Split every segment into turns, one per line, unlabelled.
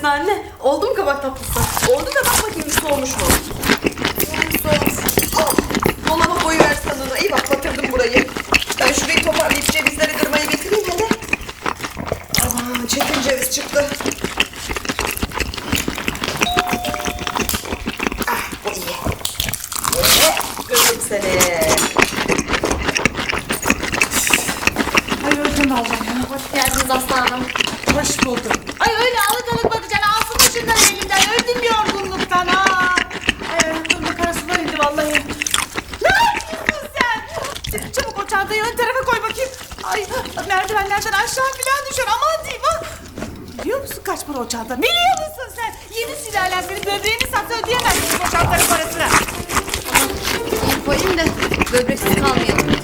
tatlısı anne. Oldu mu kabak tatlısı?
Oldu da bak bakayım bir soğumuş mu? Soğumuş. Dolaba koyuversen onu. İyi bak batırdım burayı. Ben şurayı toparlayıp cevizleri kırmayı getireyim hele. Aman çetin ceviz çıktı. Ah bu iyi. Kırdım seni.
Ay öldüm vallahi ya.
Hoş geldiniz aslanım.
Hoş buldum. Ay öyle alık alık bakacaksın. Alsın şunları elimden. Öldüm yorgunluktan ha. Ay ayaklarımda karasular indi vallahi. Ne yapıyorsun sen? Çabuk o çantayı ön tarafa koy bakayım. Ay merdivenlerden aşağı falan düşer. Aman diyeyim ha. Biliyor musun kaç para o çanta? Biliyor musun sen? Yedi sülalen senin böbreğini satsa ödeyemezsin o çantanın parasını.
Koyayım da böbreksiz kalmayalım.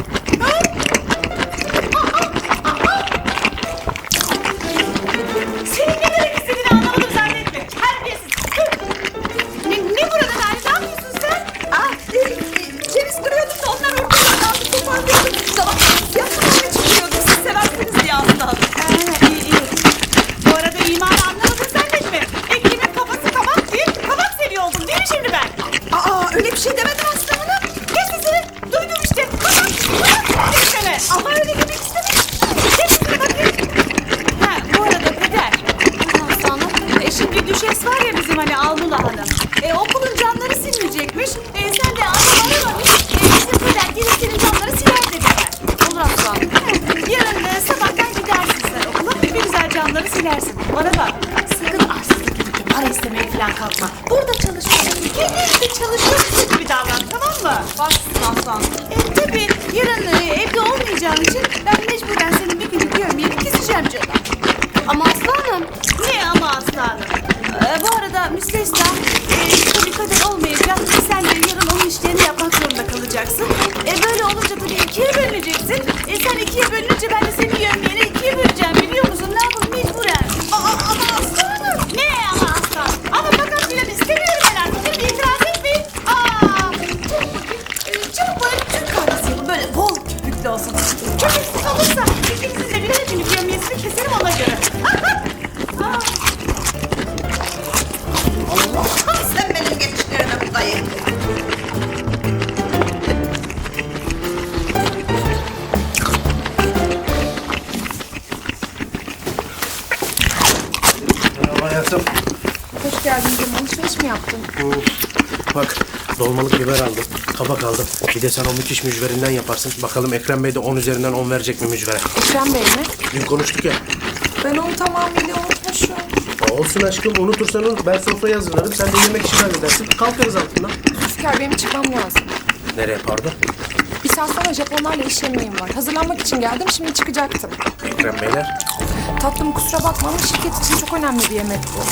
Senin ne demek istediğini anlamadım zannetme. Terbiyesiz. Ne burada yani? Ne yapıyorsun sen?
Ceviz kırıyordum da onlar ortadan aldım toparlıyordum. Tamam yapmamaya çıkıyordum. Siz seversiniz diye aldım.
İyi. Bu arada imanı anlamadın zannetme. Ekim'in kafası kabak değil, kabak seviyor oldum değil mi şimdi ben?
Öyle bir şey demedim Aslı Hanım.
Kes sesini. Duydum işte. Kabak desene.
Ama öyle demek istemedim.
Kes sesini bakayım. Ha bu arada Peder.
Aslanım.
Şimdi düşes var ya bizim hani Almula Hanım. Okulun camları silinecekmiş. Sen de anlamamış. Bizim Peder gelip senin camları siler dediler.
Olur aslanım.
Yarın sabahtan gidersin sen okula. Bir güzel camları silersin. Bana bak. Sakın arsızlık gibi para istemeye falan kalkma. Burada çalışıyorsun. Kendi evinde çalışıyorsun gibi davran, tamam mı?
Başsın aslanım.
Tabii yarın evde olmayacağın için ben mecburen senin bir günlük yövmeyeni keseceğim canım.
Ama aslanım.
Ne ama aslanım? Bu arada müstesna tabii Kader olmayacak. Sen de yarın onun işlerini yapmak zorunda kalacaksın. Böyle olunca tabii ikiye bölüneceksin. Sen ikiye bölününce ben de senin yövmeyeni ikiye böleceğim biliyor musun? Ne yapalım mecburen. Ama aslanım. Ne ama aslanım? Ama fakat filan istemiyorum ben artık. Şimdi itiraz etmeyin. Çabuk bana bir Türk kahvesi yapın. Böyle bol köpüklü olsun. Köpüksüz olursa ikinizin de birer günlük yövmeyesini keserim ona göre.
Sen benim geçişlerine bu dayı.
Merhaba hayatım.
Hoş geldin canım. Alışveriş mi yaptın?
Bak dolmalık biber aldım, kabak aldım. Bir de sen o müthiş mücverinden yaparsın. Bakalım Ekrem Bey de 10 üzerinden 10 verecek mi mücvere?
Ekrem Bey mi?
Dün konuştuk ya.
Ben onu tamamıyla unutmuşum.
Olsun aşkım unutursan unut. Ben sofrayı hazırlarım. Sen de yemek işini halledersin. Kalkarız altından.
Zülfikar benim çıkmam lazım.
Nereye pardon?
Bir saat sonra Japonlarla iş yemeğim var. Hazırlanmak için geldim, şimdi çıkacaktım.
Ekrem Beyler.
Tatlım kusura bakma ama şirket için çok önemli bir yemek bu.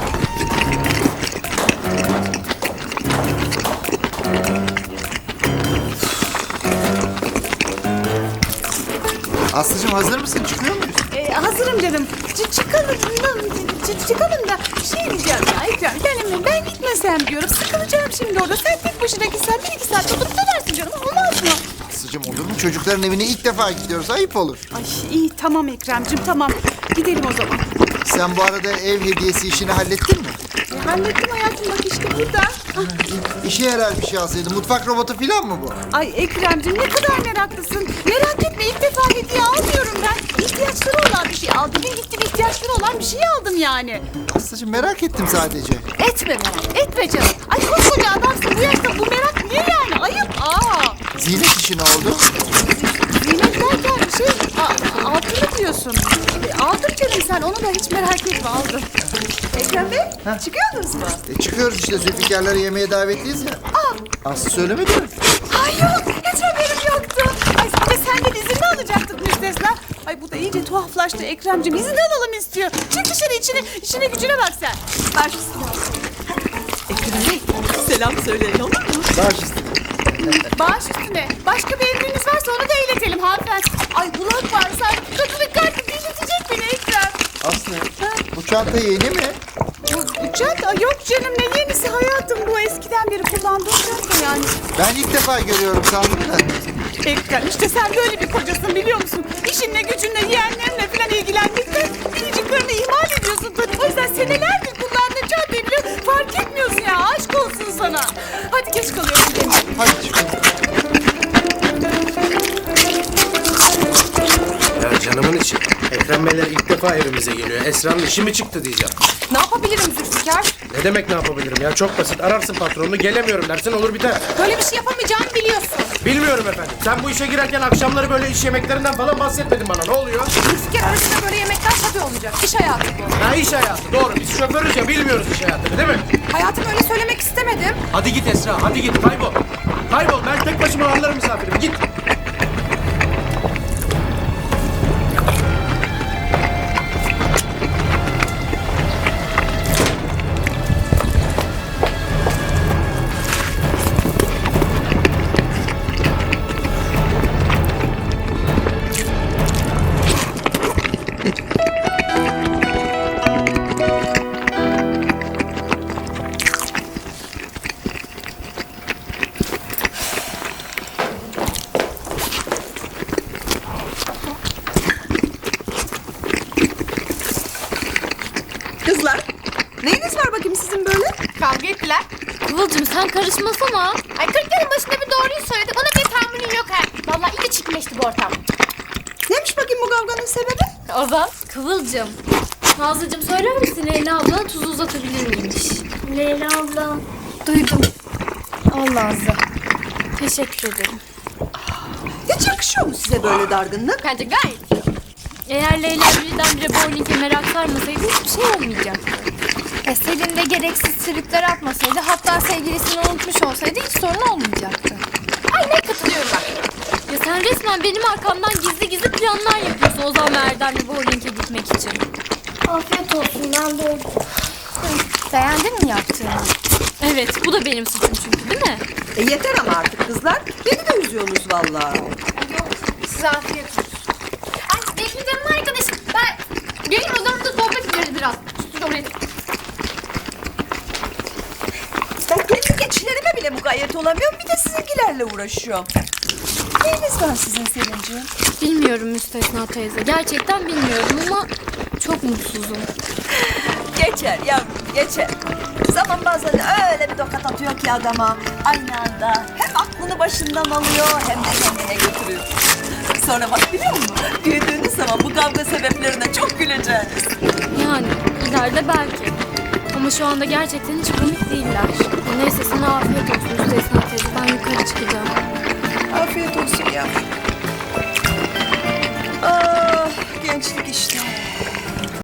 Aslıcığım hazır mısın? Çıkıyor muyuz?
Hazırım canım. Çıkalım da şey diyeceğim ya Ekrem. Ben gitmesem diyorum. Sıkılacağım şimdi orada. Sen tek başına gitsen 1-2 saat oturup dönersin canım. Olmaz mı?
Aslıcığım olur mu? Çocukların evine ilk defa gidiyoruz. Ayıp olur.
Ay iyi tamam Ekrem'cim tamam. Gidelim o zaman.
Sen bu arada ev hediyesi işini hallettin mi?
Hallettim hayatım bak işte burada.
İşe yarar bir şey alsaydın. Mutfak robotu falan mı bu?
Ay Ekrem'cim ne kadar meraklısın. Merak etme ilk defa hediye almıyorum ben. İhtiyaçları olan bir şey aldım. Bugün gittim ihtiyaçları olan bir şey aldım yani.
Aslıcığım merak ettim sadece.
Etme merak etme canım. Ay koskoca adamsın bu yaşta bu merak niye yani ayıp.
Zinet işi ne oldu?
Zinet derken şey altını diyorsun. Aldım canım sen onu da hiç merak etme aldım. Ekrem Bey çıkıyordunuz mu?
Çıkıyoruz işte Zülfikar'ları yemeğe davetliyiz ya. Aslı söylemedi mi?
Ay yok hiç haberim yoktu. Ay bir de senden izin mi alacaktık müstesna? Ay bu da iyice tuhaflaştı Ekrem'cim izin alalım istiyor. Çık dışarı işine gücüne bak sen. Ver şu silahı. Ekrem Bey selam söyleyin olur mu?
Baş üstüne.
Baş üstüne. Başka bir emriniz varsa onu da iletelim hanımefendi. Ay kulak var sanki kadının kalbi dinletecek beni Ekrem.
Aslı bu çanta yeni mi?
Bu çanta yok canım ne yenisi hayatım bu eskiden beri kullandığım çanta yani.
Ben ilk defa görüyorum sandım da.
Ekrem işte sen böyle bir kocasın biliyor musun? İşinle gücünle yeğenlerinle falan ilgilenmekten biriciklerini ihmal ediyorsun. olsun Tony. O yüzden senelerdir kullandığın beni fark etmiyorsun ya. Aşk olsun sana. Hadi geç kalıyorum gidelim.
Hadi çıkalım.
Ya canımın içi. Ekrem Beyler ilk defa evimize geliyor. Esra'nın işi mi çıktı diyeceğim.
Ne yapabilirim Zülfikar?
Ne demek ne yapabilirim ya? Çok basit. Ararsın patronunu, gelemiyorum dersin, olur biter.
Böyle bir şey yapamayacağımı biliyorsun.
Bilmiyorum efendim. Sen bu işe girerken akşamları böyle iş yemeklerinden falan bahsetmedin bana. Ne oluyor?
Zülfikar arasında böyle yemekler tabii olacak. İş hayatı bu.
Ha, iş hayatı. Doğru. Biz şoförüz ya, bilmiyoruz iş hayatını, değil mi?
Hayatım öyle söylemek istemedim.
Hadi git Esra, hadi git. Kaybol. Kaybol. Ben tek başıma ağırlarım misafirimi. Git.
Kızlar, neyiniz var bakayım sizin böyle?
Kavga ettiler.
Kıvılcım sen karışmasana.
Ay 40 yılın başında bir doğruyu söyledi. Ona bir tahammülün yok ha. Vallahi iyice çirkinleşti bu ortam.
Neymiş bakayım bu kavganın sebebi?
Ozan. Kıvılcım. Nazlıcığım söyler misin Leyla abla tuzu uzatabilir miymiş? Leyla abla. Duydum. Al Nazlı. Teşekkür ederim.
Hiç yakışıyor mu size böyle dargınlık?
Bence gayet.
Eğer Leyla birdenbire bowling'e merak sarmasaydı hiçbir şey olmayacaktı.
Selin de gereksiz tripler atmasaydı, hatta sevgilisini unutmuş olsaydı hiç sorun olmayacaktı.
Aynen katılıyorum bak.
Ya sen resmen benim arkamdan gizli gizli planlar yapıyorsun Ozan ve Erdem'le bowling'e gitmek için.
Afiyet olsun, ben de Beğendin mi yaptığını?
Evet bu da benim suçum çünkü değil mi?
Yeter ama artık kızlar. Beni de üzüyorsunuz vallahi.
Size afiyet olsun. Ay bekle canım arkadaşım. Ben gelin odamda sohbet ederiz biraz. Siz oraya.
Ben kendi geçilerime bile mukayyet olamıyorum. Bir de sizinkilerle uğraşıyorum. Neyiniz var sizin Selin'ciğim?
Bilmiyorum Müstesna teyze. Gerçekten bilmiyorum ama çok mutsuzum.
Geçer yavrum, geçer. Zaman bazen öyle bir tokat atıyor ki adama. Aynı anda hem aklını başından alıyor hem de kendine götürüyor. Sonra bak biliyor musun? Büyüdüğünüz zaman bu kavga sebeplerine çok güleceğiniz.
Yani ileride belki. Ama şu anda gerçekten hiç komik değiller. Neyse sana afiyet olsun Müstesna teyze. Ben yukarı çıkacağım.
Afiyet olsun yavrum. Ah, gençlik işte.